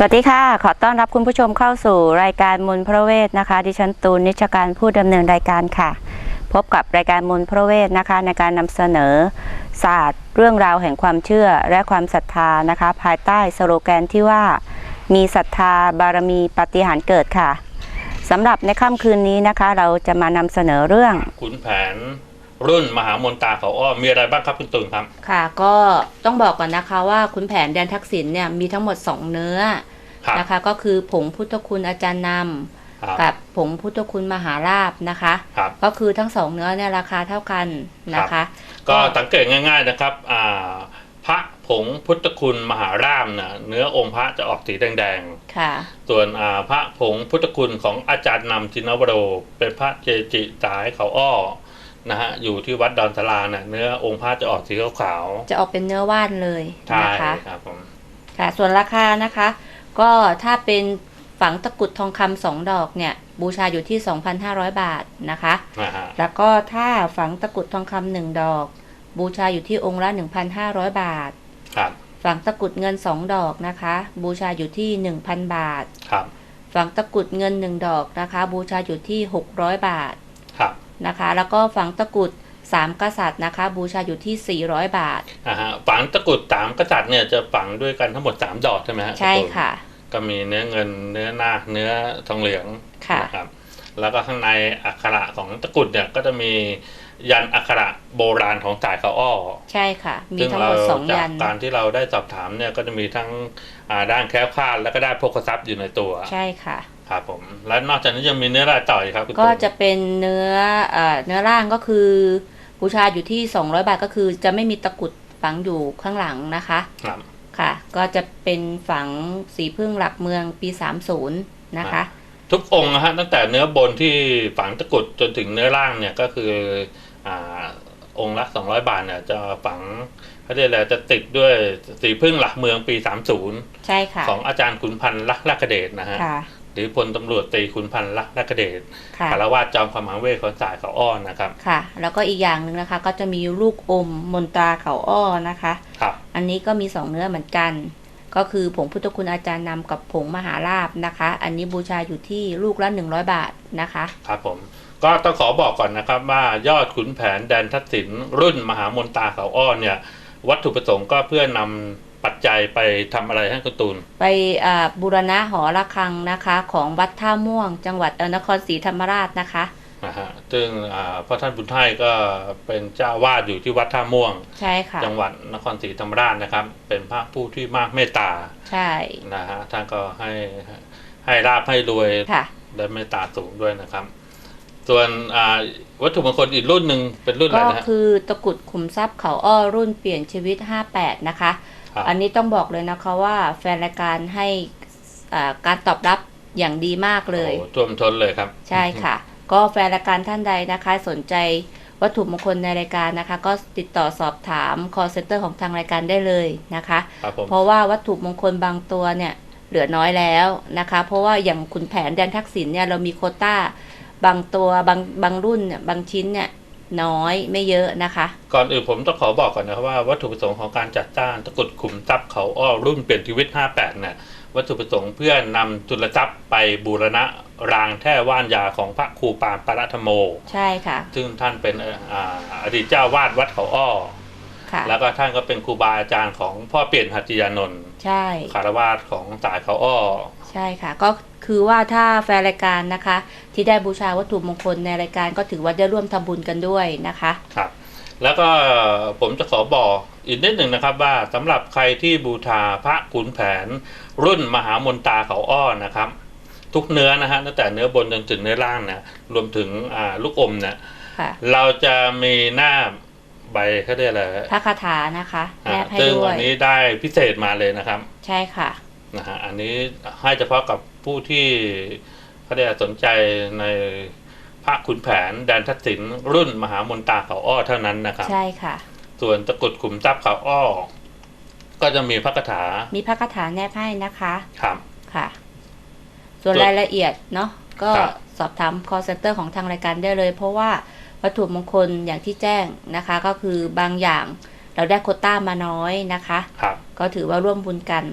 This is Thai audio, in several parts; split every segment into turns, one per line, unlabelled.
สวัสดีค่ะขอต้อนรับคุณผู้ชมเข้าสู่รายการมนต์พระเวทนะคะดิฉันตูนนิชการผู้ดำเนินรายการค่ะพบกับรายการมนต์พระเวทนะคะในการนำเสนอศาสตร์เรื่องราวแห่งความเชื่อและความศรัทธานะคะภายใต้สโลแกนที่ว่ามีศรัทธาบารมีปาฏิหาริย์เกิดค่ะสำหรับในค่ำคืนนี้นะคะเราจะมานำเสนอเรื่อง
ขุนแผนรุ่นมหามนตาเขาอ้อมีอะไรบ้างครับคุณตูนครับ
ค่ะก็ต้องบอกก่อนนะคะว่าขุนแผนแดนทักษิณเนี่ยมีทั้งหมด2เนื้อนะคะก็คือผงพุทธคุณอาจารย์นำกับผงพุทธคุณมหาราบนะคะก็คือทั้ง2เนื้อเนี่ยราคาเท่ากันนะคะ
ก็สังเกตง่ายๆนะครับพระผงพุทธคุณมหาราบนะเนื้อองค์พระจะออกสีแดงๆค่ะส่วนพระผงพุทธคุณของอาจารย์นำจินวโรเป็นพระเจจิสายเขาอ้อนะฮะอยู่ที่วัดดอนสลาเนี่ยเนื้อองค์พระจะออกสีขาว
จะออกเป็นเนื้อว่านเลยนะคะ
ครับผม
ค่ะส่วนราคานะคะก็ถ้าเป็นฝังตะกุดทองคำ2 ดอกเนี่ยบูชาอยู่ที่ 2,500 บาทนะคะแล้วก็ถ้าฝังตะกุดทองคำ1 ดอกบูชาอยู่ที่องค์ละ 1,500 บาท
ครับ
ฝังตะกุดเงิน2 ดอกนะคะบูชาอยู่ที่ 1,000 บาท
ครับ
ฝังตะกุดเงิน1 ดอกนะคะบูชาอยู่ที่600 บาท
ครับ
นะคะแล้วก็ฝังตะกุด3 กษัตริย์นะคะบูชาอยู่ที่400 บาท
ฝังตะกุด3 กษัตริย์เนี่ยจะฝังด้วยกันทั้งหมด3 ดอกใช่ไหมฮะ
ใช่ค่ะ
ก็มีเนื้อเงินเนื้อนาคเนื้อทองเหลืองนะครับแล้วก็ข้างในอักขระของตะกุดเนี่ยก็จะมียันอักขระโบราณของจ่ายเขาอ้อ
ใช่ค่ะมีทั้งหมด2 ยัน
การที่เราได้สอบถามเนี่ยก็จะมีทั้งด้านแคล้วคลาดแล้วก็ได้โภคทรัพย์อยู่ในตัว
ใช่ค่ะ
ครับผมแล้วนอกจากนี้ยังมีเนื้อรายต่อยครับ
ก็จะเป็นเนื้อร่างก็คือบูชาอยู่ที่200 บาทก็คือจะไม่มีตะกุดฝังอยู่ข้างหลังนะคะ
ครับ
ค่ะก็จะเป็นฝังสีพึ่งหลักเมืองปี30นะคะ
ทุกองค์นะฮะตั้งแต่เนื้อบนที่ฝังตะกุดจนถึงเนื้อล่างเนี่ยก็คือองค์ละ200 บาทเนี่ยจะฝังเขาเรียกอะไรจะติดด้วยสีพึ่งหลักเมืองปี30
ใช่ค่ะ
ของอาจารย์ขุนพันธ์ลักษณ์เดชนะฮะหรือพลตำรวจตรีขุนพันธ์ลักษณ์เดชคารวาสจอมขมังเวทของจ่ายเขาอ้อนะครับ
ค่ะแล้วก็อีกอย่างหนึ่งนะคะก็จะมีลูกอมมนตราเขาอ้อนะคะ
ครับ
อันนี้ก็มี2 เนื้อเหมือนกันก็คือผงพุทธคุณอาจารย์นำกับผงมหาราบนะคะอันนี้บูชาอยู่ที่ลูกละ100 บาทนะคะ
ครับผมก็ต้องขอบอกก่อนนะครับว่ายอดขุนแผนแดนทักษิณรุ่นมหามนตาเขาอ้อเนี่ยวัตถุประสงค์ก็เพื่อนำปัจจัยไปทำอะไรให้คุณตูน
ไปบูรณะหอระฆังนะคะของวัดท่าม่วงจังหวัดนครศรีธรรมราชนะคะ
ซึ่งพระท่านบุญไทยก็เป็นเจ้าวาดอยู่ที่วัดท่าม่วง
ใช่ค่ะ
จังหวัดนครศรีธรรมราชนะครับเป็นพระผู้ที่มากเมตตา
ใช่
นะฮะท่านก็ให้ราบให้รวยและเมตตาสูงด้วยนะครับส่วนวัตถุมงคลอีกรุ่นหนึ่งเป็นรุ่นอะไรนะ
ก็คือตะกุดขุมทรัพย์เขาอ้อรุ่นเปลี่ยนชีวิต58นะคะอันนี้ต้องบอกเลยนะคะว่าแฟนรายการให้การตอบรับอย่างดีมากเลย
ท่วมท้นเลยครับ
ใช่ค่ะก็แฟนรายการท่านใดนะคะสนใจวัตถุมงคลในรายการนะคะก็ติดต่อสอบถาม call center ของทางรายการได้เลยนะคะเพราะว่าวัตถุมงคลบางตัวเนี่ยเหลือน้อยแล้วนะคะเพราะว่าอย่างขุนแผนแดนทักษิณเนี่ยเรามีโควต้าบางตัวบางรุ่นเนี่ยบางชิ้นเนี่ยน้อยไม่เยอะนะคะ
ก่อนอื่นผมต้องขอบอกก่อนนะครับว่าวัตถุประสงค์ของการจัดจ้างตะกุดขุมทรัพย์เขาอ้อรุ่นเปลี่ยนชีวิต58เนี่ยวัตถุประสงค์เพื่อนำจุลทรัพย์ไปบูรณะรางแท่ว่านยาของพระครูปานปรธรรมโม
ใช่ค่ะ
ซึ่งท่านเป็นอดีตเจ้าวาดวัดเขาอ้อแล้วก็ท่านก็เป็นครูบาอาจารย์ของพ่อเปลี่ยนหัตถยานนท์
ใช่
คารวาสของจ่ายเขาอ้อ
ใช่ค่ะก็คือว่าถ้าแฟนรายการนะคะที่ได้บูชาวัตถุมงคลในรายการก็ถือว่าได้ร่วมทำบุญกันด้วยนะคะ
ครับแล้วก็ผมจะขอบอกอีกนิดหนึ่งนะครับว่าสำหรับใครที่บูชาพระขุนแผนรุ่นมหามนตาเขาอ้อนะครับทุกเนื้อนะฮะตั้งแต่เนื้อบนจนถึงเนื้อล่างเนี่ยรวมถึงลูกอมเนี่ยเราจะมีหน้าใบเขาเรียกอะไร
พระคาถานะคะแนบให้ด้วย
ซึ่งอันนี้ได้พิเศษมาเลยนะครับ
ใช่ค่ะ
นะฮะอันนี้ให้เฉพาะกับผู้ที่เขาได้สนใจในพระขุนแผนแดนทักษิณรุ่นมหามนตาเขาอ้อเท่านั้นนะครับ
ใช่ค่ะ
ส่วนตะกุดขุมทรัพย์เขาอ้อก็จะมีพระคาถา
มีพระคาถาแนบให้นะคะ
ครับ
ค่ะส่วนรายละเอียดเนาะก็สอบถาม call center ของทางรายการได้เลยเพราะว่าวัตถุมงคลอย่างที่แจ้งนะคะก็คือบางอย่างเราได้โควต้ามาน้อยนะคะก็ถือว่าร่วมบุญกัน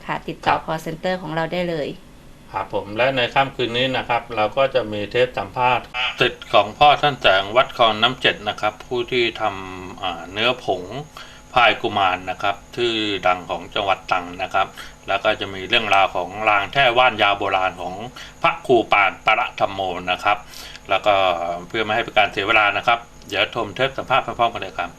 ค่ะ ติดต่อ call center ของเราได้เลย
ครับผมและในค่ำคืนนี้นะครับ เราก็จะมีเทปสัมภาษณ์ติดของพ่อท่านแสงวัดคลองน้ำเจ็ดนะครับ ผู้ที่ทำเนื้อผงพายกุมารนะครับที่ดังของจังหวัดตรังนะครับ แล้วก็จะมีเรื่องราวของรางแท่ว่านยาวโบราณของพระครูปานปรธรรมโมนะครับ แล้วก็เพื่อไม่ให้เป็นการเสียเวลานะครับเดี๋ยวชมเทปสัมภาษณ์พร้อมๆกันเลยครับ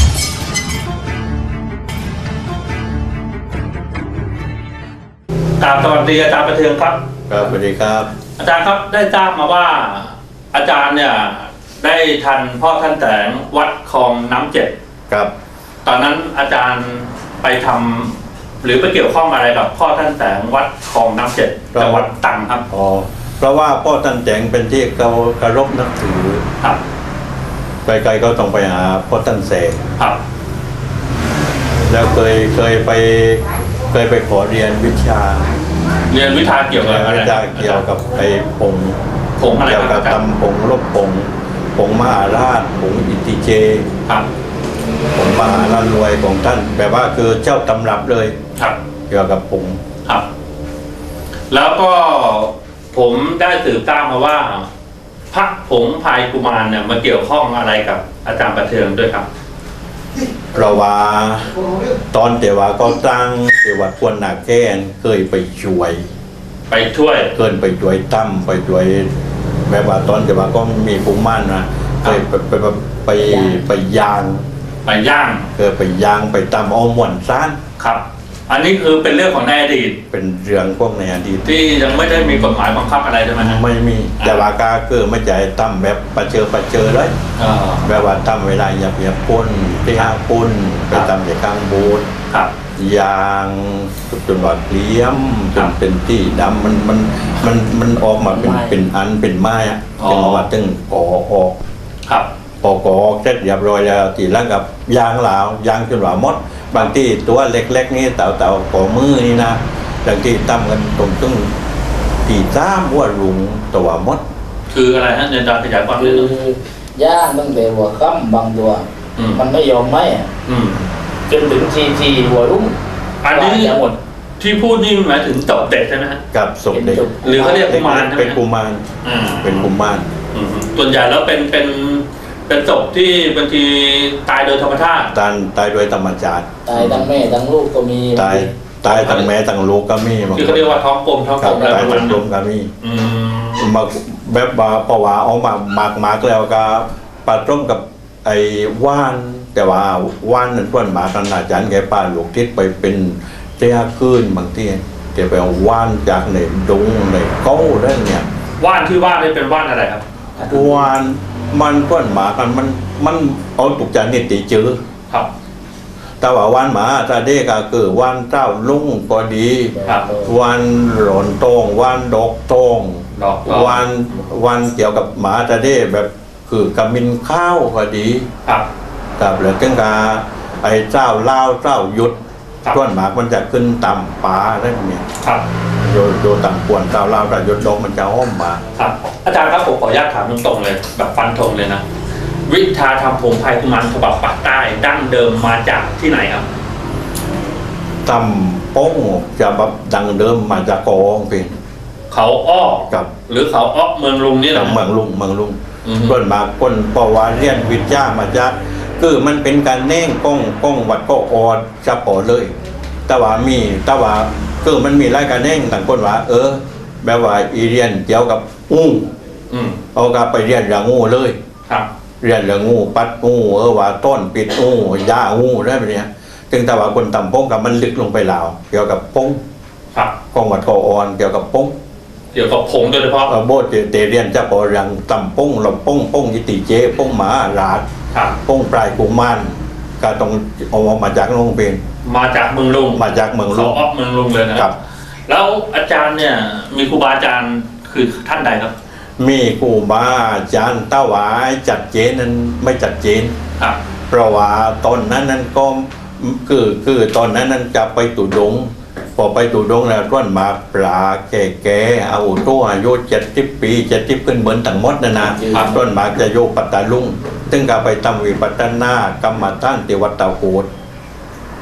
สวัสดีอาจารย์ประเทืองครับ
ครับสวัสดีครับ
อาจารย์ครับได้ทราบมาว่าอาจารย์เนี่ยได้ทันพ่อท่านแสงวัดคลองน้ำเจ็ด
ครับ
ตอนนั้นอาจารย์ไปทำหรือไปเกี่ยวข้องอะไรกับพ่อท่านแสงวัดคลองน้ำเจ็ดจังหวัดตรังครับ
อ๋อเพราะว่าพ่อท่านแจงเป็นที่เคารพนับถือ
ครับ
ใครๆก็ต้องไปหาพ่อท่านแสง
ครับ
แล้วเคยไปขอเรียนวิชา
เรียนวิชาเกี่ยวกับอะไร
วิชาเกี่ยวกับไอ้ผง
ผงอะไร
เกี่ยว
ค
กั
รั
บบ
อาจารย์
ตำผงลบผงมหาราชผงอิติเจ
ครับ
ผงมหาราชรวยของท่านแบบว่าคือเจ้าตำรับเลย
ครับ
เกี่ยวกับผง
ครับ แล้วก็ผมได้สืบทราบมาว่าพระผงพายกุมารเนี่ยมาเกี่ยวข้องอะไรกับอาจารย์ประเทืองด้วยครับ
เพราะว่าตอนแต่ว่าก็ตั้งแต่ว่าควรหนาแก้นเคยไปช่วย
ไปช่วย
เกินไปช่วยตั้มไปช่วยแบบว่าตอนแต่ว่าก็มีภูมิมั่นนะเคยไปยาง
ไปย่าง
เคยไปยางไปตั้มเอาหม่วนซ่าน
ครับ อันนี้คือเป็นเรื่องของในอดีต
เป็นเรื่องพวกในอดีต
ที่ยังไม่ได้มีกฎหมายบังคับอะไรใช่ไหมฮะ
ไม่มีแต่ว่าก็คือไม่ใจตั้มแบบประเจอเลย
เออ
แบบว่าตั้มเวลาอย่าพ่นที่ห้าพ่นไปตั้มในข้างโบสถ์
ครับ
ยางจนว่าเกลี้ยมจนเป็นที่ดำมันออกมาเป็นอันเป็นไม้อะจึงว่าตึงก่อออก
ครับ
พอกอเสร็จเรียบร้อยแล้วทีหลังกับยางเหลายางจนว่ามด บางที่ตัวเล็กๆนี่เต่าขอมือนี่นะบางที่ตั้มกันตรงตึ้งตีซ้ำว่าลุงตัวมด
คืออะไรฮะอาจารย์ขยายความนิ
คื
ด
อ
นึง
ย่างตั้งแต่หัวค่ำบางตัว
อืม
มันไม่ยอมไหมอะ
อืม
จนถึงทีหัวรุ่ง
อันนี้
กว่าจะหมด
ที่พูดนี่หมายถึงตบเด็กใช่ไหมฮะ
กับศพเด็ก
หรือเขาเรียกกุมารใช่ไหม
เป็นกุมาร
อ่า
เป็นกุมาร
อืมส่วนใหญ่แล้วเป็นศพที่บางทีตายโดยธรรมชาติ
ตายโดยธรรมชาติ
ตายทั้งแม่ทั้งลูกก็มี
ตายทั้งแม่ทั้งลูกก็มีบาง
ที่
ค
เขา
น
เรียกว่าท้องกลมท้อง
ค
กล
รับ
มอะไร
ตาย
ประมา
ทั้
ณ
งลู
นั้น
กก็มี
อืม
มาแบบว่าเพราะว่าเอามากแล้วก็ปลาต้มกับไอ้ว่าน แต่ว่าว่านนั้นต้นหมาขนาดจันแกป่าหลวงทิศไปเป็นเจ้าคืนบางทีแกไปเอาว่านจากในดงในเก้าได้เนี่ย
ว่านที่ว่านี่เป็นว่านอะไรครับ
ว่านมันต้นหมากันมันเอาตุกจานนี่ตีจื้อ
ครับ
แต่ว่าว่านหมาตาเด็กก็คือว่านเจ้าลุงก็ดี
ครับ
วันหลอนโตงวันดอกโตง
ดอก
วันเกี่ยวกับหมาตาเด้แบบคือกำมินข้าวก็ดี
ครับ
กับแล้วจึงกาไอ้เจ้าลาวเจ้ายุด
ครับ
ต้นหมากมันจะขึ้นต่ำป่าได้เนี่ย
ครับ
โดต่ำกวนเจ้าลาวเจ้ายุดดอกมันจะอ้อมมา
ครับ อาจารย์ครับผมขออนุญาตถามตรงๆเลย แบบฟันธงเลยนะ วิชาทำผงพายกุมารฉบับปากใต้ดั้งเดิมมาจากที่ไหนครับ
ต่ำโป้งจะแบบดังเดิมมาจากกองเป็น
เขาอ้อ
กับ
หรือเขาอ้อเมืองลุงนี่แห
กั
ละ
บเมืองลุง
อือฮึ
ต้นหมากคนปวาเรียนวิทยามาจากคือมันเป็นการแน่งก้องวัดก็ออดจะพอเลย แต่ว่าคือมันมีรายการแน่งต่างคนว่า แบบว่าอีเรียนเกี่ยวกับงู
อืม
เอากลับไปเรียนเรื่องงูเลย
ครับ
เรียนเรื่องงูปัดงูว่าต้นปิดงูยางูได้แบบเนี้ยถึงแต่ว่าคนต่ำพงกับมันลึกลงไปแล้ว เกี่ยวกับพง
ครับ
กองวัดก็ออนเกี่ยวกับพง
เกี่ยวกับผงโดยเฉพาะ
โบสถ์เตเรียนจะพอเรื่องต่ำพงหลบพงยิติเจพงหมาหลาด
ครับ
พงปลายกุมารก็ต้องเอามาจากโรงเรียน
มาจากเมืองลุง
มาจากเมืองลุ
เขา
ง
อ้อเมืองลุงเลยนะครับ แล้วอาจารย์เนี่ย มีครูบาอาจารย์คือท่านใดครับ
มีครูบาอาจารย์ตาหวายจัดเจนนั้นไม่จัดเจน
ครับ
เพราะว่าตอนนั้นก็คือตอนนั้นจะไปตุดง พอไปตุดงแล้วต้นมาปลาแก่ๆเอาตัวอายุ70 ปี70ขึ้นเหมือนต่างหมดนะต้นมาจะโยปัตตาลุงซึ่งก็ไปทำวิปัสสนากรรมฐานที่วัดตาโกด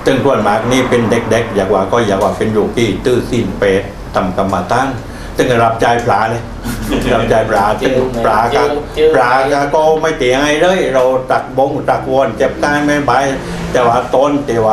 ตึงส่วนมากนี่เป็นเด็กๆอยากว่าก็อยากว่าเป็นโยกี้ตื้อสิ้นเปรตทำกรรมฐานตึงรับใจปลาเลย รับใจปลาตึงปลาก็ไม่เตียงไงเลยเราตักบงตักวนเจ็บกายไม่ใบแต่ว่าต้น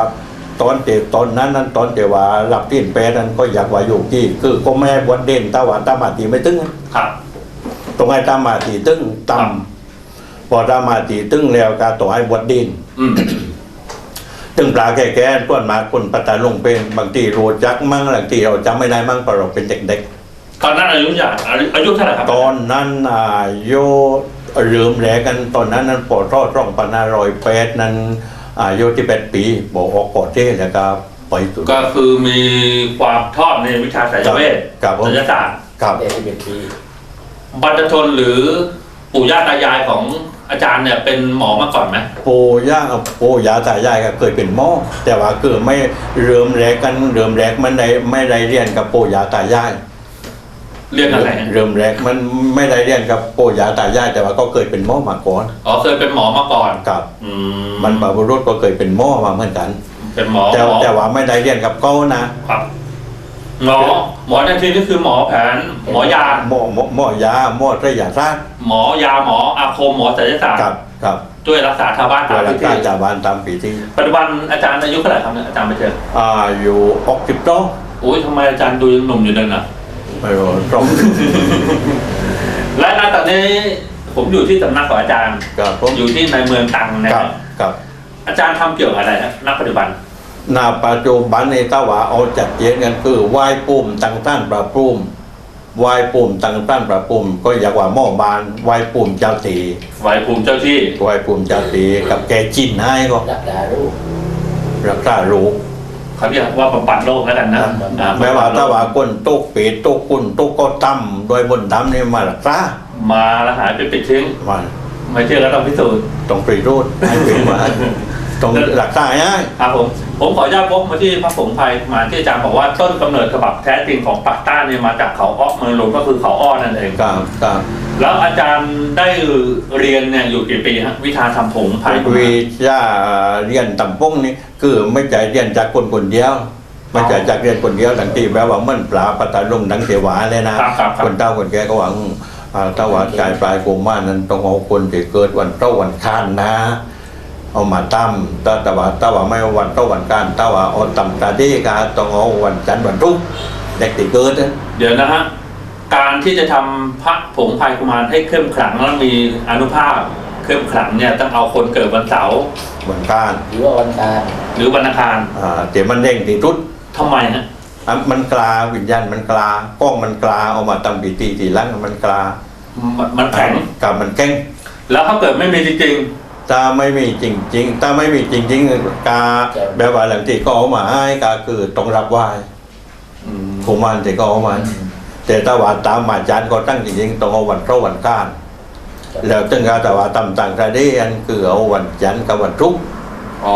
นั้นต้นแต่ว่ารับสิ้นเปรตนั้นก็อยากว่าโยกี้คือก็ไม่บวชเด่นแต่ว่าตามาตีไม่ตึง
ครับ
ตรงไอ้ตามาตีตึงต่ำพอตามาตีตึงแล้วก็ต่อให้บวชดิน
อืม
ตึงปลาแก่ๆต้นมาคนปัตตาลงเป็นบางทีรู้จักมั่งบางทีเราจำไม่ได้มั่งเพราะเราเป็นเด็ก
ตอนนั้นอายุเท่าไหร่ครับ
ๆตอนนั้นอายุลืมแรกกันตอนนั้นปอดรอดร่องปนา108นั้นอายุ18 ปีบอกออกกอดเท่แล้วก็ไปสุด
ก็คือมีความชอบในวิชาสายเวท
ครับผม
ศิลปศาสตร์
ครับ
แต่ที่เป็นปี
บรรพชนหรือปู่ย่าตายายของอาจารย์เนี่ยเป็นหมอมาก่อนไหม
ปู่ย่าตายายก็เคยเป็นหม้อแต่ว่าคือไม่เริ่มแรกมันไม่ได้เรียนกับปู่ย่าตายาย
เรียนอะไรฮะ
เริ่มแรกมันไม่ได้เรียนกับปู่ย่าตายายแต่ว่าก็เคยเป็นหม้อมาก่อน
อ๋อเคยเป็นหมอมาก่อน
กับ
อืม
มันบรรพบุรุษก็เคยเป็นหม้อมาเหมือนกัน
เป็นหมอ
แต่ว่าไม่ได้เรียนกับเขานะครับ
หมอในที่นี้คือหมอแผนหมอยา
หม้อยาหม้อระยะราช
หมอยาหมออาคมหมอศัลยศาสตร์
ครับ
ช่วยรักษาชาวบ้าน
ตั
ตาว ม
รั
พิ
ก
ธี
ษาจาวานตามปีที่
ปัจจุบันอาจารย์อายุเท่าไหร่ครับเนี่ยอาจารย์ไปเจอ
อยู่60ต้อ
โอ้ยทำไมอาจารย์ดูยังหนุ่มอยู่เลยนะ
ไม่รู้ตรง
และณตอนนี้ผมอยู่ที่สำนักของอาจารย์
ครับผม
อยู่ที่ในเมืองตรังนะ
ค
ค
รั
รั
บบ ครับ
อาจารย์ทำเกี่ยวกับอะไรนะณปัจจุบัน
ณปัจจุบันในตาว่าเอาจัดเจนกันคือไหว้ปุ่มตั้งต้านประปุ่มไหว้ปุ่มตั้งต้านประปุ่มก็อยากว่าหม้อบานไหว้ปุ่มเจ้าตี
ไหวภูมิเจ้าที่
ไหว้ปุ่มเจ้าตีกับแกจินให้ก็
รักษาลูก
รักษาลูก
เขาเรียกว่าบำบัดโรคแล้วกันนะอ่
แม้ว่าถ้าว่าคนตุกปีตุกคุณตุกก็ตั้มโดยบนดำนี่มารักษา
มาแล้วหายไปปิดทิ้ง
มัน
ไม่เชื่อก็ต้องพิสูจน์
ต้องปรีรูดให้เป็นมาต้องรักษาให้
ครับผมขออนุญาตพบมาที่พระผงไพรมาที่อาจารย์บอกว่าต้นกำเนิดฉบับแท้จริงของปากใต้เนี่ยมาจากเขาอ้อเมืองหลวงก็คือเขาอ้อนั่นเอง
ครับ
แล้วอาจารย์ได้เรียนเนี่ยอยู่กี่ปีฮะวิชาทำผงไพร
วิชาเรียนตำปงนี่คือไม่ใช่เรียนจากคนเดียวไม่ใช่จากเรียนคนเดียวดังที่แบบว่ามันปลาปัตตาลงดังเทวาเลยนะครับ คนเฒ่าคนแก่ก็หวังถ้าว่าใจปลายโกมานั้นต้องเอาคนที่เกิดวันเต้าวันค้านนะ เอามาตั้มแต่ว่าไม่วันเต้าวันค้านแต่ว่าเอาตั้มตาดีกาต้องเอาวันจันทร์วันรุ่งเด็กที่เกิด
เดี๋ยวนะฮะการที่จะทำพระผงไพรกุมารให้เข้มขลังและมีอานุภาพเข้มขลังเนี่ยต้องเอาคนเกิดวันเสาร์
วันค้าน
หรือว่าวันการ
หรือวันอังคาร
เดี๋ยวมันเด้งที่ทุด
ทำไมฮะ
มันกลาวิญญาณมันกลากล้องมันกลาเอามาทำพิธีทีหลังมันกลา
มันแข็ง
กับมันแข็ง
แล้วถ้าเกิดไม่มีจริง
ถ้าไม่มีจริงๆถ้าไม่มีจริงๆกาแบบว่าหลังที่ก็เอามาให้กาคือต้องรับไหว้
ๆ
กุมารที่ก็เอามาแต่ถ้าว่าตามมาจานก็ตั้งจริงๆต้องเอาวันเข้าวันก้านแล้วถึงการแต่ว่าตำต่างประเทศคือเอาวันจันทร์กับวันรุ่ง
อ๋อ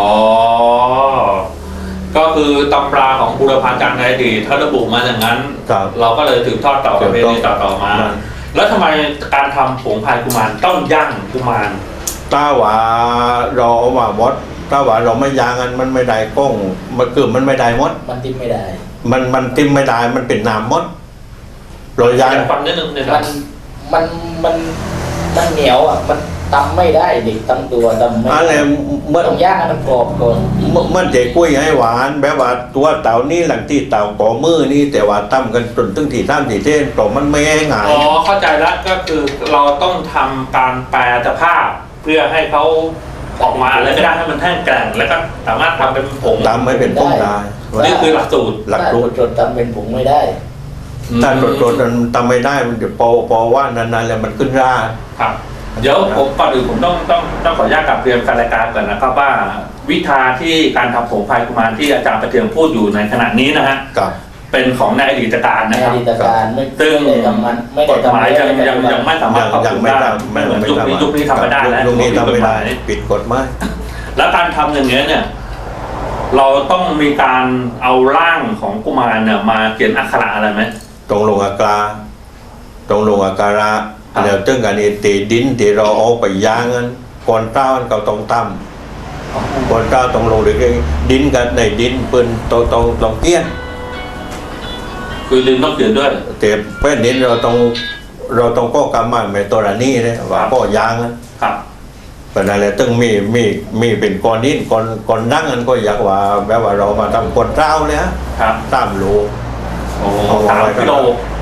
ก็คือตำราของบุรพาจารย์ในอดีตถ้าระบุมาอย่างนั้น
ครับ
เราก็เลยถือทอดต่อประเพณีต่อมา แล้วทำไมการทำผงพายกุมารต้องย่างกุมาร
ถ้าว่าเราเอามาหมดถ้าว่าเราไม่ยางกันมันไม่ได้กล้องมันคือมันไม่ได้หมด
มันทิ้งไม่ได้
มันติมไม่ได้มันเป็นน้ำหมดเรายาง
ฟังนิดนึงเนี่ยค
มั
รับ
นมันเหนียวอ่ะมันตำไม่ได้เด็กตำตัวตำไม่
อะไร
ได้
เมื่อ
ต้องย่างให้มันกรอบก่อน
มันจะกุ้ยให้หวานแบบว่าตัวเต่านี่หลังที่เต่าก่อมือนี่แต่ว่าตั้มกันจนตึงที่ตั้มที่เท่นต่อมันไม่ให้ง่าย
อ๋อเข้าใจแล้วก็คือเราต้องทำการแปลสภาพ เพื่อให้เขาออกมาอะไรก็ได้ให้มันแห้งแกร่งแล้วก็สามารถทำเป็นผง
ตามไม่เป็นต้นได้
นี่คือหลักสูตร
หลัก
ถ้า
สูตร
จดตำเป็นผงไม่ได้
ถ้าโดดมันทำไม่ได้มันจะพอว่านานๆแล้วมันขึ้นรา
ครับ เดี๋ยวผมก่อนอื่นผมต้องขออนุญาตกลับเรียนแฟนรายการก่อนนะครับว่าวิชาที่การทำผงพายกุมารที่อาจารย์ประเทืองพูดอยู่ในขณะนี้นะฮะ
กับ
เป็นของในอดีตการ
ใน
นะค
อ
รับ
ดีตการไม่
ซึ่ง
ได้ทำมันไม่
ก
ได้
ฎหมายยังไม่สามารถปรับ
ยั
ป
ง
รุง
ไม่
ได้
ทำ
ไม่เหมือนยุคนี้ทำไม่ได้แล้ว
ยุคนี้ทำไม่ได้
กฎหาย
ปิดกฎหมาย
แล้วการทำอย่างเงี้ยเนี่ย เราต้องมีการเอาร่างของกุมารเนี่ยมาเขียนอักขระอะไรไหม
ตรงลงอากาตรงลงอาการะ
ครับ
แล้วตึงกันนี่ตีดินที่เราเอาไปย่างกันก่อนเต้ามันก็ต้องตั้มคนก้าวต้องลงหรือดินกันในดินปืนต้องเกี้ยน
คือลินต้องเขียนด้วย
แต่แป้นดินเราต้องก็กำมันไม่ตัวนี้เลยว่าก็ยางนะครับ เป็นอะไรตึงมีเป็นก้อนดินก้อนนั่งกันก็อยากว่าแบบว่าเรามาทำก้อนเท้าเลยฮะ
ครับ
3 โล
โอ้3 กิโล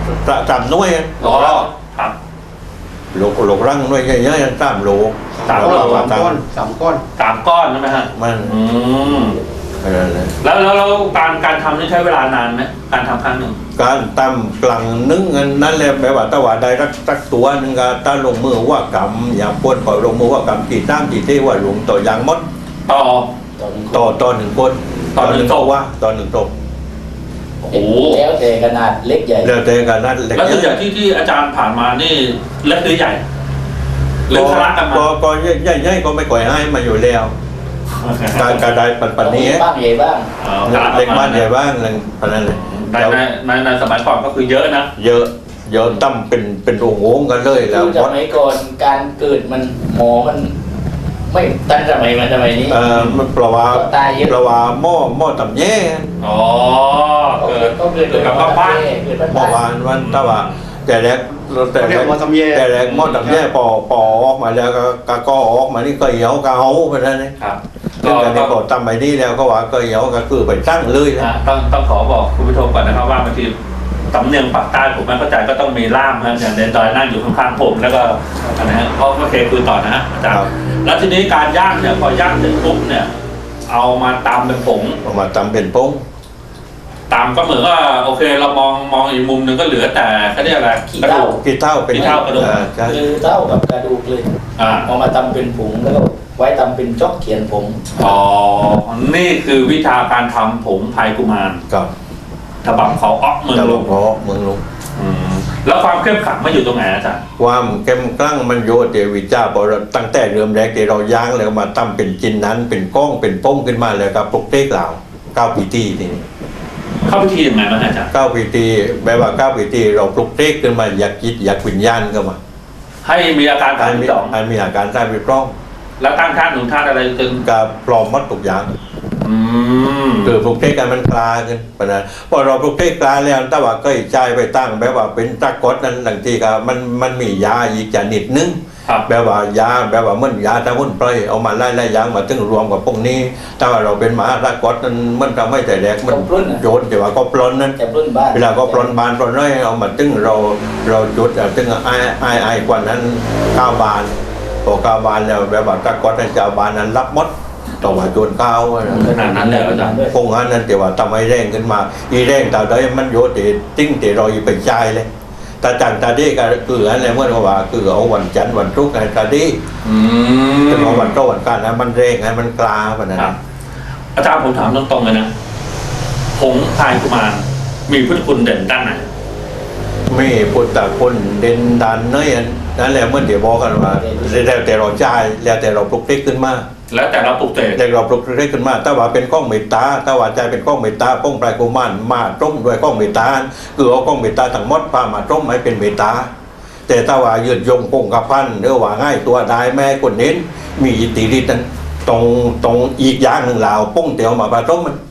3 หน่วย
อ๋อครับ
โลกรังหน่วยเยอะๆ3 โล
3 โล
3 ก้อน
3 ก้อน
3 ก้อนใช่ไหมฮะ
มัน
อืม
อะไรเลย
แล้วการทำนี่ใช้เวลานานไหมการทำครั้งหนึ่ง
การตำกลังนึ่งนั่นแหละแบบว่าตะวันใดรักตัวนึงก็ตาลงมือว่ากำอย่างปวดปล่อยลงมือว่ากำตีตั้มตีเทว่าหลวงต่อยางมด
ต่อ
ต่อ1 คน
ต่อหนึ่ง
โตว่าต่อ1 โต
โอ้โห
แล้วแต่ขนาดเล็กใหญ่
แล้วแต่กันนั่นเล็ก
แล้วส่วนใหญ่ที่อาจารย์ผ่านมานี่เล็กหรือใหญ่หรือคละกันมา
ก็ใหญ่ก็ไม่ก่อยให้มาอยู่แล้วการได้ปันนี้
บ้างใหญ่บ้าง
เล็กบ้านใหญ่บ้างอะไรปันนั้นเลย
ในสมัยก่อนก็คือเยอะนะ
เยอะตั้มเป็นโอ่งกันเลยแล้
คื
ว
อสมัยก่อนการเกิดมันหมอมัน ไม่ทันสมัยมันสมัยนี้
มันเพราะว่าหม้อต่ำแย่
อ๋อ
ก็เกิด
กับข้าวปั้น
เกิด
เมื่อวานวันตะวันแต่แรก
เรียกว่าทำแย่
แต่แรกหม้อต่ำแย่ปอออกมาแล้วก็ออกมานี่ก็เหี่ยวก็เอาไปนั่นนี่
ครับ
ซึ่งการที่บอกตำไปนี่แล้วก็ว่าก็เหี่ยวก็คือไปตั้งเลยนะ
ต้องขอบอกคุณผู้ชมก่อนนะครับว่าบางทีสำเนียงปากใต้ผมไม่เข้าใจก็ต้องมีล่ามนะอย่างเดนดอยนั่งอยู่ข้างๆผมแล้วก็นะฮะโอเคคุยต่อนะฮะอาจารย์แล้วทีนี้การย่างเนี่ยพอย่างเสร็จปุ๊บเนี่ยเอามาตำเป็นผง
เอามาตำเป็นโป้ง
ตำก็เหมือนว่าโอเคเรามองอีกมุมหนึ่งก็เหลือแต่เขาเรียกอะไรกระดูก
กี่เท่าเป็น
กี่เท่ากระดูก
ใช่
คือเท่ากับกระดูกเลย
อ่า
เอามาทำเป็นผงแล้วก็ไว้ทำเป็นจ๊อกเขียนผง
อ๋อนี่คือวิธีการทำผงพายกุมาร
กับ
ฉบับเขาอ๊อกเมือง
ตะ
ล
ลุ
ง
งพอเมืองลุง
แล้วความเข้มขังมันอยู่ตรงไหนอาจารย์
ความเข้มกลั้งมันโยเดวิจ้าบอกเราตั้งแต่เริ่มแรกที่เราย่างแล้วมาตั้มเป็นจินนั้นเป็นก้องเป็นโป้งขึ้นมาแล้วก็ปลุกเตกเหล่า9 ปีที่นี่
เข้าพิธียังไงบ้างอาจารย์
9 ปีที่แบบว่า9 ปีที่เราปลุกเตกขึ้นมาอยากคิดอยากวิญญาณเข้ามา
ให้มีอาการ
อั
ทาน ง
มี
ที่สอง
อันมีอาการท่านวิปร้อง
แล้วตั้งท่านหนุนท่านอะไรจน
กับปลอมมัดทุกอย่าง คือปลุกเทกกันมันกลาขึ้นปะนะพอเราปลุกเทกกลาแล้วถ้าว่าก็ใจไปตั้งแบบว่าเป็นตะกดนั้นบางทีก็มันมียาอีกชนิดนึง
ครับ
แบบว่ายาแบบว่ามันยาตะวุ่นปล่อยเอามาไล่ยางมาถึงรวมกับพวกนี้ถ้าว่าเราเป็นหมาตะกดนั้นมันทำให้แต่แรกมันโยนแต่ว่าก็ปล้นนั้น
จะปล้นบ้าน
เวลาก็ปล้นบานปล้นน้อยเอามาตึงเราจุดตึงไอ้กว่านั้น9 บานพอ9 บานแล้วแบบว่าตะกดนั้นจะบานนั้นรับหมดต่อว่าโจนก้าว
ขนาดนั้นเลยอาจารย์
คงงั้นนั่นแต่ว่าทำให้แรงขึ้นมาอีแรงตาได้มันโยติติ้งแต่เราอีไปใจายเลยตาจังตาดีก็คืออะไรเมื่อว่าคือเอาวันจันทร์วันศุกร์ไงตาดีแต่ว่าวันโตวันการนะมันแรงไงมันกลาแบบนั้น
ครับอาจารย์ผมถามตรงๆเลยนะผงพายกุมารมีพุทธคุณเด่นด้านไหน
ไม่พุทธคุณเด่นดันเนยนั่นแหละเมื่อเดี๋ยวบอกกันว่าแล้วแต่เราใจายแล้วแต่เราปลุกเต็กขึ้นมา
แล้วแต่เราปลุกเสก
แต่เราปลุกเต็กขึ้นมาถ้าว่าเป็นก้องเมตตาถ้าว่าใจเป็นก้องเมตตาป้องปลายกุมารมาต้มด้วยก้องเมตตาคือเอาก้องเมตตาทั้งหมดพามาต้มให้เป็นเมตตาแต่ถ้าว่ายืดยงคงกระพันหรือว่าง่ายตัวได้แม่คนเน้นมีอิทธิฤทธิ์นั้นตรงอีกอย่างหนึ่งเราป้องเตียวมาปลาต้มมัน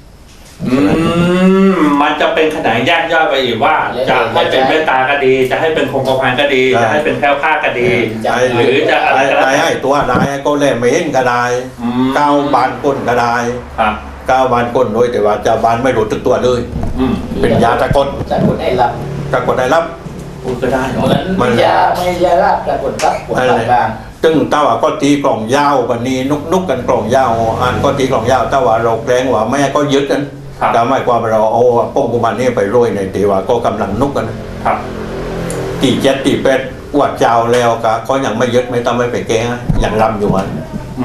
มันจะเป็นขนานแยกย่อยไปอีกว่า จะให้เป็นเมตตาก็ดี จะให้เป็นคงกระพันก็ดี จะให้เป็นแคล้วคลาดก็ดี หรือจะอะไรก็
ได้
ได้
ให้ตัวได้ก็แลไม่เห็นก็ได้9 บานก้นก็ได้
ครับ
9 บานก้นโดยแต่ว่าจะบานไม่รู้ตึกตัวเลย เป็นยาตะกด
จะกดให้รับ
ตะกดได้รับ
พูดก็ได้
เหมือนยาไม่ยาลาบจะกดรับปวดบาง
ซึ่งถ้าว่าก็ตีกล่องยาวกันนี้นุกกันกล่องยาวอ่านก็ตีกล่องยาวถ้าว่าเราแกล้งว่าแม่ก็ยึดกันแต่ไม่ความเราเอาป้องกุมารนี่ไปโรยในตีว่าก็กำลังนุกกัน
ครับ
ตี7 ตี 8อวดเจ้าแล้วก็ยังไม่ยึดไม่ต้องไม่ไปแก้อย่างรำอยู่มัน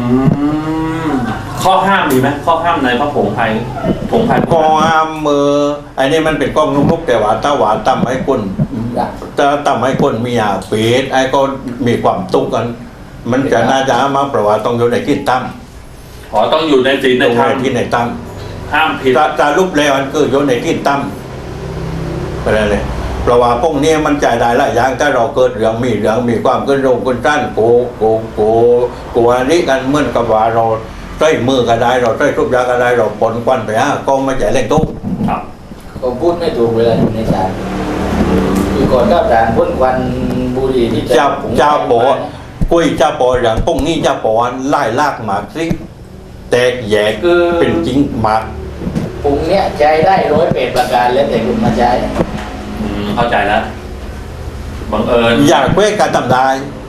ข้อห้ามมีไหมข้อห้ามในพระผงไทยผงไทย
ก็ห้ามมือไอ้นี่มันเป็นกล้องนุกแต่ว่าถ้าว่าทำให้คนจะทำให้คนมีอาเปรตไอ้ก็มีความตุกกัน มันจะน่าจะมาเพราะว่าต้องอยู่ในที่ตั้ม
ขอต้องอยู่ในศีล
ต
ใน
รง
ธรรม
ในที่ในตั้ม
ห้ามผิด
จะรูปแล้วมันคืออยู่ในที่ตั้มอะไรเลยเพราะว่าพวกนี้มันจ่ายได้หลายอย่างถ้าเราเกิดเรื่องมีความขึ้นโรงขึ้นต้านโกอันนี้กันเหมือนกับว่าเราใช้มือก็ได้เราใช้ทุบยาก็ได้เราปนควันไปก็ไม่ใช่เร่งตุ้ม
ครับ
ผมพูดไม่ถูกเวลาอยู่ในศาลคือก่อนก็ศาลพ่นควันบุหรี่ที่
เจ้าโปกุ้ยเจ้าโปอย่างพวกนี้เจ้าโปไล่ลากหมากซิแตกแยกเป็นจริงหมาก
ปรุงเนี้ยใช้ได้108ประการแล้วแต่คุณมาใช้
เข้าใจแล้วบังเอิญ
อยากเพื่อการทำได้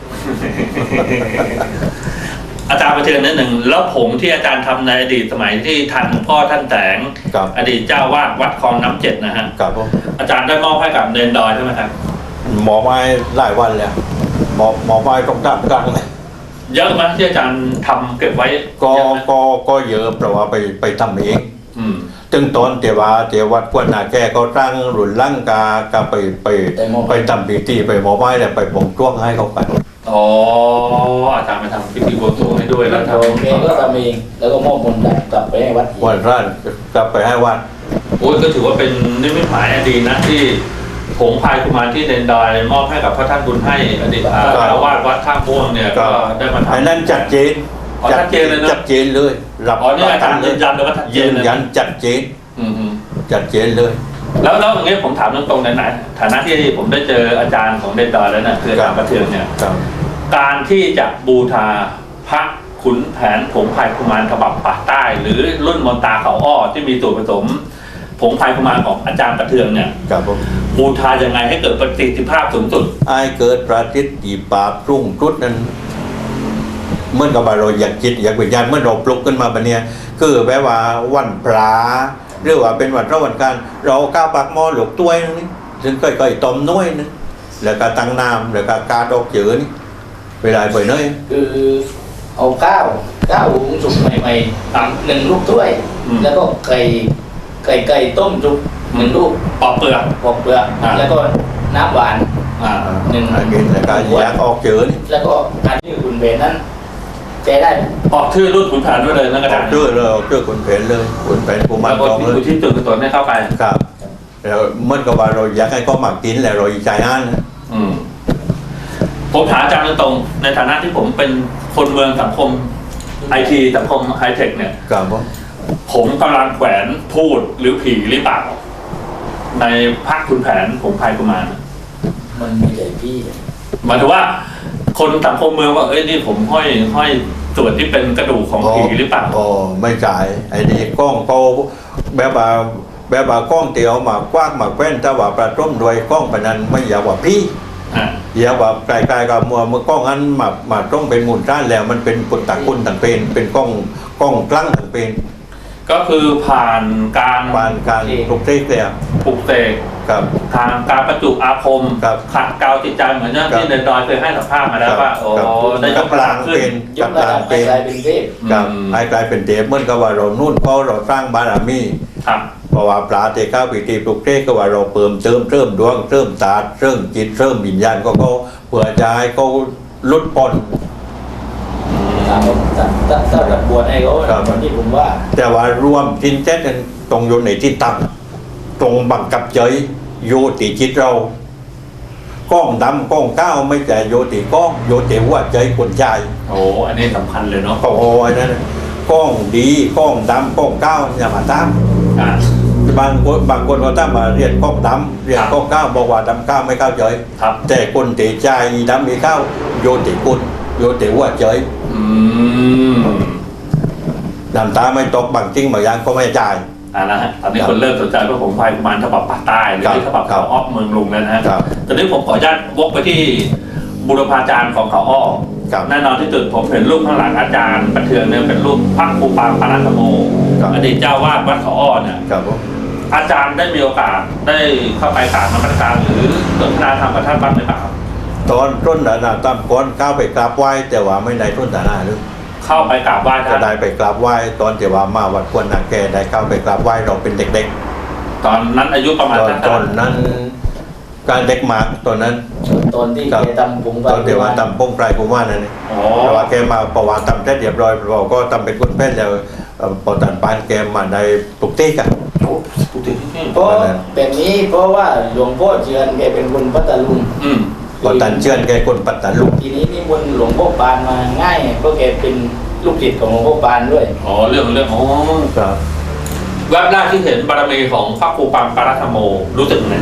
อาจารย์ประเทืองนิดหนึ่งแล้วผงที่อาจารย์ทำในอดีตสมัยที่ทันพ่อท่านแสง
ครับ
อดีตเจ้าวาดวัดคลองน้ำเจ็ดนะฮะ
ครับผม
อาจารย์ได้มอบให้กับเนนดอยใช่ไหมครับ
หมอไม้หลายวันแล้วหมอไม้ต้องดับกลางเลย
เยอะไหมที่อาจารย์ทำเก็บไว้
ก็
เยอะไหม
ก็เยอะเพราะว่าไปทำเอง
อืม
ถึงตอนเทวัดกวนนาแกก็ตั้งรุ่นลั่งกาไปทำพิธีไปหมอไม้แล้วไปบ่งจ้วงให้เขากัน
อ๋ออาจารย์ไปทำพิธีบวงสรวงให้ด้วยแล้ว
โอเคก็ทำเองแล้วก็มอบมนต์กลับไปให้วัดอีก
วันร้านกลับไปให้วัด
โอ้ยก็ถือว่าเป็นนิมิตหมายอันดีนะที่ผงพายกุมารที่เนนดอยมอบให้กับพระท่านบุญให้อดีตเจ้าวาดวัดท่าม่วงเนี่ยก็ได้มาทำ
ไอ้นั่นจัดเจน
อ๋อชัดเจนเลยนะ
จัดเจนเลยรับ
อ๋อนี่อาจารย์ยืนยันเลยว่าชัดเจ
ยื
น
น
เลย
ยันจัดเจน
อืม
จัดเจนเลย
แล้วอย่างเงี้ยผมถามตรงๆในฐานะที่ผมได้เจออาจารย์ของเนนดอยแล้วนะคืออาจารย์ประเทืองเนี่ย
ครับ
การที่จะบูชาพระขุนแผนผงพายกุมารฉบับปากใต้ หรือรุ่นมนตาเขาอ้อที่มีส่วนผสมผงพายกุมารของอาจารย์ประเทืองเนี่ย
ครับผม
บูชายังไงให้เกิดประสิทธิภาพสูงสุด
ไอ้เกิดประทิษฐีปราบรุ่งรุดนั้นเมื่อกับว่าเราอยากจิตอยากวิญญาณเมื่อเราปลุกขึ้นมาแบบเนี้ยคือแปลว่าวันพระหรือว่าเป็นวันพระวันการเราก้าวปากหม้อหลกต้วยนี่ซึ่งก้อยๆต้มน้อยนึงแล้วก็ตั้งน้ำแล้วก็กาดอกเจือนี่เวลาไปเนย
คือเอาข้าวหุงสุกใหม่ๆหนึ่งลูกถ้วย แล้วก็ไก่ต้มสุก1 ลูก
ปอกเปลือก
ปอกเปลือกแล้วก็น้ำหวาน
อ่า
หนึ่ง
กินแล้วก็อยากออกเจือนี่
แล้วก็การที่คุณเบนนั้นใช้ได้ไหม
ออกชื่อรุ่นขุนแผนด้วยเลยนะอา
อ
จา
อ
ร
ก
ย์
เจือเลยออกเจือคนเพนเลยคนเพนกูมัน
แล้วก็
จองเลย
อุทิศส่วนกุศลให้เข้าไป
ครับแล้วเมื่อกับว่าเราอยากให้เขามากินแล้วเราใจอ่านนะ
อืมผมถามอาจารย์ตรงๆในฐานะที่ผมเป็นคนเมืองสังคมไอทีสังคมไฮเทคเนี่ย
ครับผม
ผมกำลังแขวนพูดหรือผีหรือเปล่าในพระขุนแผนผงพายกุมาร
มันมีแต่พี่
หมายถึงว่า คนสังคมเมืองว่าเอ้ยนี่ผมห้อยส่วนที่เป็นกระดูกของผีหรือเปล่า
อ๋อไม่จ่ายไอ้นี่กล้องเขาแบบว่ากล้องเตียวมากว้างมาแคว้นถ้าว่าประต้มด้วยกล้องปะนั้นไม่อยากว่าพี่
อ่า
อยากว่าไกลๆกับมัวเมื่อกล้องนั้นมาต้องเป็นมูลด้านแล้วมันเป็นปุตตะคุณต่างเป็นกล้องกลั้งต่างเป็น
ก็คือผ่านการ
ปานการปลุกเสกแล้ว
ปลุกเสก
ครับ
ทางการประจุอาคม
ครับ
ขัดเกลาจิตใจเหมือนที่เนนดอยเคยให้สัมภาษณ์มาแล้วว่าโอ้
ครับ
ได้ยก
กลาง
ขึ้
เป็น น
ยกระดับไปกลายเป็นเทพ
ครับให้กลายเป็นเทพเหมื่อนกับว่าเรานู่นเพราะเราสร้างบารมี
ครับ
เพราะว่าปลาเตก้าปิติปลุกเสกก็ว่าเราเพิ่มเริ่มดวงเริ่มตาเริ่มจิตเริ่มวิญญาณก็เขาเพื่อจะให้เขาลดพ้น
ถ้ารับบวชให้เขา
ครับ
ตอนที่ผมว่า
แต่ว่ารวมจินเจ็ดนั้นตรงอยู่ในที่ตั้งตรงบังกับเจยโยติจิตเราก้องดำก้องก้าวไม่แต่โยติก้องโยติว่าใจคนใจ
โอ้อันนี้สำคัญเลยเนาะ
ก็โอ้ยนั่นน่ะก้องดีก้องดำก้องก้าวอย่ามาตาม
อ่า
บางคนเขาตั้งมาเรียนก้องดำเรียนก้องก้าวบอกว่าดำก้าวไม่ก้าวเฉย
ครับ
แต่คนเตะใจดำมีก้าวโยติคุณโยติว่าเฉย
อืม
น้ำตาไม่ตกบางจริงบางอย่างก็ไม่จ่าย
นะฮะตอนนี้คนเริ่มสนใจว่าผมพายกุมารฉบับปากใต้หรือ
ครับ
ฉบับเขาอ้อเมืองลุงแล้วนะฮะ
ครับ
ตอนนี้ผมขออนุญาตวกไปที่บุรพาจารย์ของเขาอ้อ
ครับ
แน่นอนที่สุดผมเห็นรูปข้างหลังอาจารย์ประเทืองเนี่ยเป็นรูปพระครูปางพระนัทโม
ครับ
อดีตเจ้าวาดวัดเขาอ้อเนี่ย
ครับผม
อาจารย์ได้มีโอกาสได้เข้าไปกราบนมัสการหรือสนทนาธรรมกับท่านบ้างหรือเปล่าครับ
ตอนต้นนะตามก้อนก้าวไปกราบไหว้แต่ว่าไม่ได้ต้นตาหน้าหรือ
เข้าไปกราบไหว้
ก็
ท่าน
ได้ไปกราบไหว้ตอนที่ว่ามาวัดควรนาแกได้เข้าไปกราบไหว้เราเป็นเด็ก
ตอนนั้นอายุประมาณ
ๆตอนนั้นการเด็กมากตอนนั้น
ตอนที่
ครับ
แกทำผม
ตอนที่ว่าทำป้งไพรกุมารนั่นเอง
อ๋อ
แต่ว่าแกมาประวัติทำได้เรียบร้อยเราก็ทำเป็นคนแพทย์แล้วพอตันปานแกมาได้ปลุกเตกัน
โอ้ถูกถึงที่
เพราะแบบนี้เพราะว่าหลวงพ่อเชือนแกเป็นคนพัทลุง
อืม
พอตันเชื่อนแกคนปัตตาลุก
ทีนี้นิมนต์หลวงพ่อปานมาง่ายเพราะแกเป็นลูกศิษย์ของหลวงพ่อปานด้วย
อ๋อเรื่องอ๋อ
ครับ
แวบแรกที่เห็นบารมีของพระครูปังปารัตโมรู้สึกไง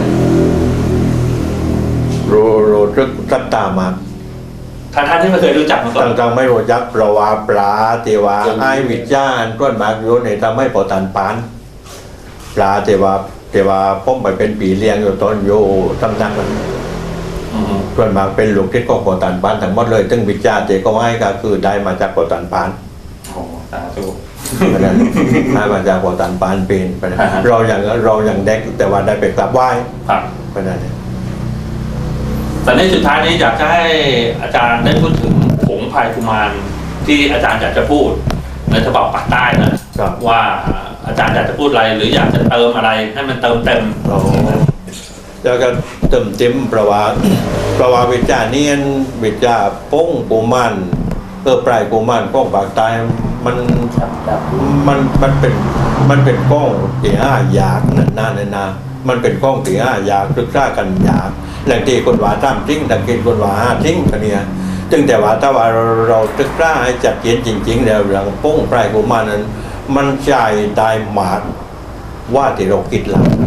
รู้สึกศรัทธามาก
ท่านที่ไม่เคยรู้จักมาก่อน
ตั้งไม่รู้จักประวาปลาเทวาไอวิจารณ์ก้นมากอยู่ในทำให้ปอตันปานปลาเทวาพ้มไปเป็นปีเลี้ยงอยู่ตอนอยู่ตำนักนั้น
อืม
ก้นมากเป็นลูกทิศของปอตันปานทั้งหมดเลยซึ่งวิจารณ์เจก็ให้ก็คือได้มาจากปอตันปาน
โอ้สาธุ
เพราะฉะนั้นได้มาจากปอตันปานเป็นเพราะฉะนั้นเราอย่างเด็กแต่ว่าได้ไปกราบไหว้
ครับ
เพราะฉะนั้น
แต่ในสุดท้ายนี้อยากจะให้อาจารย์ได้พูดถึงผงพายกุมารที่อาจารย์อยากจะพูดในฉบับปากใต้นะครับ ว่าอาจารย์อยากจะพูดอะไรหรืออยากจะเติมอะไรให้มันเติมเต็ม
อ๋อ แล้วก็เติมเต็มประวัติวิจารณ์นี่วิจารณ์ป้งปูมันปลายปูมันป้องปากใต้มันเป็นก้องที่ห้าอยากนานมันเป็นก้องที่ห้าอยากศึกษากันอยากแหล่งที่คนว่าตามทิ้งแต่กินคนว่าห้าทิ้งกันเนี่ยจึงแต่ว่าถ้าว่าเราศึกษาให้จัดเจนจริงๆแล้วเรื่องป้งปลายปูมันนั้นมันใจได้หมากว่าที่เราคิดหลัง